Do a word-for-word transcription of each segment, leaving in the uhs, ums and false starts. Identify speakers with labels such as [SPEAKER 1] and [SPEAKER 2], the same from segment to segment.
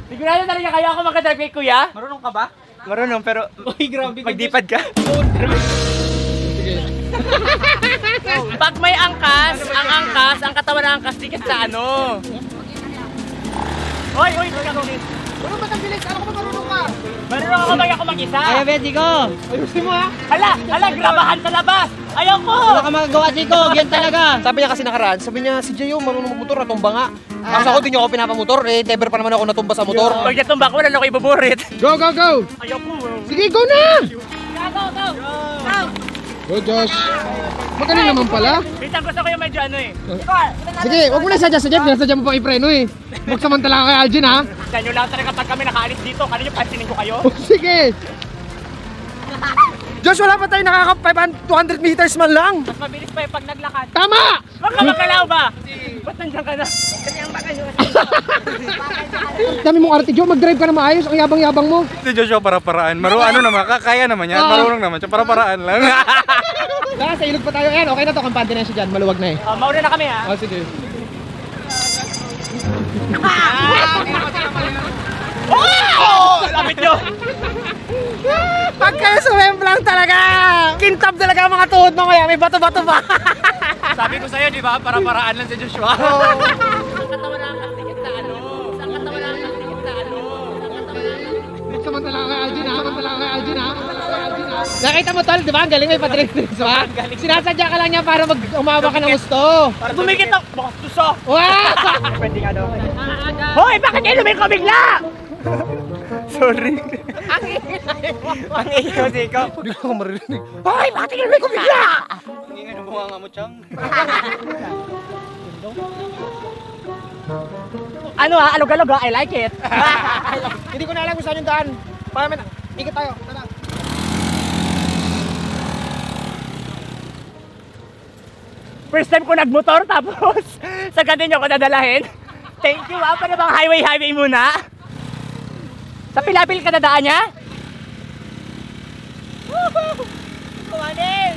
[SPEAKER 1] Sigurado talaga kaya ako magka-drive kay kuya?
[SPEAKER 2] Marunong ka ba?
[SPEAKER 1] Marunong pero
[SPEAKER 2] Uy, grabe.
[SPEAKER 1] magdipad ka. Pag may angkas, ang angkas, ang katawan ng angkas, dikit sa ano. Hoy, hoy, magkakulit.
[SPEAKER 2] Marunong ba ang bilis? Ano ko ba marunong ka?
[SPEAKER 1] Marunong ako mag ako mag-isa.
[SPEAKER 3] Ayaw, be, Chico.
[SPEAKER 2] Ayusin mo ha.
[SPEAKER 1] Hala, hala, grabahan sa labas. Ayaw ko.
[SPEAKER 3] Wala ka magagawa, Chico. Yan talaga.
[SPEAKER 4] Sabi niya kasi nakaraan, sabi niya si Jayo marunong magmotor, natumba nga. Tapos ako din niyo ako pinapamotor, eh never pa naman ako natumba sa motor.
[SPEAKER 1] Pag natumba ko, wala na ako ibuburit.
[SPEAKER 2] Go, go, go!
[SPEAKER 1] Ayaw ko.
[SPEAKER 2] Sige, go na!
[SPEAKER 1] Go, go, go. Go.
[SPEAKER 2] Go, Josh. Magaling naman pala.
[SPEAKER 1] Minsan gusto ko yung medyo ano eh.
[SPEAKER 2] Sige, wag mo na sadya-sadya. Pinasadya mo pang ipreno eh. Magsamantala ka kay Algin ha.
[SPEAKER 1] Sa inyo lang talaga pag kami nakaalis dito, kanino pansinin ko kayo?
[SPEAKER 2] Oh, sige.
[SPEAKER 4] Josh, wala pa tayo nakaka two hundred meters man lang.
[SPEAKER 1] Mas mabilis pa yung pag naglakad.
[SPEAKER 2] Tama!
[SPEAKER 1] Wag ka magkalaw ba? Ba't nandiyan ka na?
[SPEAKER 2] Dami mong arte, Joe. Mag-drive ka na maayos. Ang yabang-yabang mo.
[SPEAKER 5] Si Joshua para-paraan. Maru ano naman, kaya naman yan.
[SPEAKER 2] Ah.
[SPEAKER 5] Marunong naman siya, para-paraan lang.
[SPEAKER 2] Wala, sa ilog pa tayo. Ayan, okay na to. Kampante na siya dyan. Maluwag na eh.
[SPEAKER 1] Oh, mauna na kami ha.
[SPEAKER 2] Oh, sige.
[SPEAKER 1] Oh! Lapit nyo!
[SPEAKER 4] Pag kayo sumemplang talaga, kintab talaga ang mga tuhod mo kaya may bato-bato pa.
[SPEAKER 5] Sabi ko sa'yo, di ba? Para-paraan lang si Joshua.
[SPEAKER 1] Ang katawan ng angkas, dikit sa ano. Ang katawan ng angkas, dikit sa ano.
[SPEAKER 2] Magsamantala ka kay Algin ha. Magsamantala ka kay Algin ha. Nakita mo tol, di ba? Ang galing may patrick-tricks pa. Sinasadya ka lang niya para mag umawa ka ng gusto.
[SPEAKER 1] Para tumikit ako. Baka tuso.
[SPEAKER 2] Wow!
[SPEAKER 1] Pwede nga daw. Hoy! Bakit kayo lumiko bigla?
[SPEAKER 5] Sorry.
[SPEAKER 1] Ang iyo, Siko.
[SPEAKER 4] Hindi ko marinig.
[SPEAKER 1] Hoy! Bakit kayo lumiko bigla?
[SPEAKER 5] Ingin ang bunga nga mo, Chang.
[SPEAKER 1] Ano ha? Alog-alog ha? I like it.
[SPEAKER 4] Hindi ko na alam kung saan yung daan. Para may ikot tayo. Tara.
[SPEAKER 1] First time ko nagmotor tapos sa ganun niyo ako dadalahin. Thank you ha. Para bang highway-highway muna. Sa Pilapil ka dadaan niya? Woohoo! Kumanin!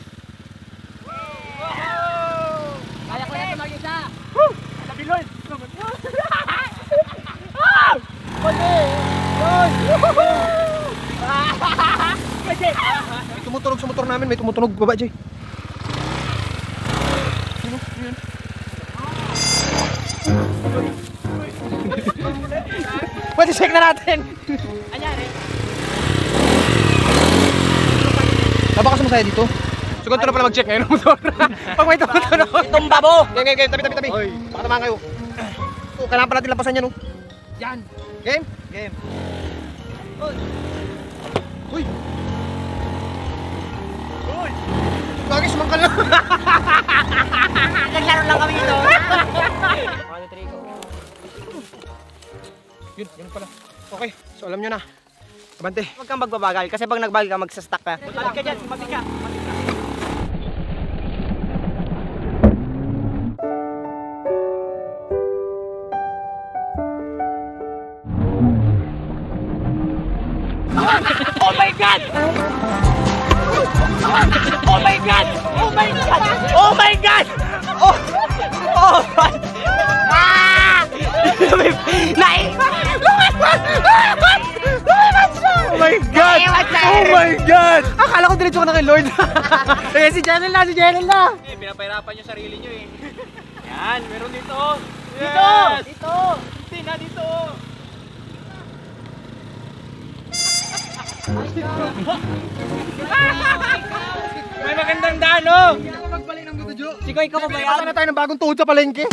[SPEAKER 1] Kaya ko na ito mag-isa. Woo! Sabi Lord! Ah! Pwede! Lord! Woohoo! Pwede!
[SPEAKER 4] May tumutunog sa motor namin, may tumutunog baba, Jay. Pwede check na natin.
[SPEAKER 1] Anyari?
[SPEAKER 4] Nabakas mo saya dito. So ganito na pala mag-check ngayon ng motor. Pag may tumutunog.
[SPEAKER 1] Tumba mo!
[SPEAKER 4] Game, game, game. Tabi, tabi, tabi. Baka naman kayo. Oh, kailangan pa natin lampasan yan, oh.
[SPEAKER 2] Yan.
[SPEAKER 4] Game?
[SPEAKER 1] Game.
[SPEAKER 4] Uy! Lagi sumangkal na.
[SPEAKER 1] Naglaro lang kami ito.
[SPEAKER 4] Yun, yun pala. Okay, so alam nyo na. Kabante.
[SPEAKER 3] Huwag kang magbabagal kasi pag nagbagal ka, magsastuck ka.
[SPEAKER 1] Balik ka dyan, balik ka. Oh my God! Oh my God! Oh my God! Oh my God! Oh! Oh my! Ah! Nai! Lumipad! Lumipad! Lumipad siya!
[SPEAKER 4] Oh my God! Oh my God! Akala ko diretso ka na kay Lord. Eh, si Janel na, si Janel na.
[SPEAKER 5] Eh, pinapahirapan yung sarili nyo eh. Yan, meron dito.
[SPEAKER 1] Dito!
[SPEAKER 5] Yes!
[SPEAKER 1] Dito!
[SPEAKER 5] Hindi na dito. May magandang daan, oh!
[SPEAKER 2] Magbalik ng gusto, Joe.
[SPEAKER 1] Sikoy ka pa ba yan?
[SPEAKER 4] Basta na tayo ng bagong tuhod sa palengke.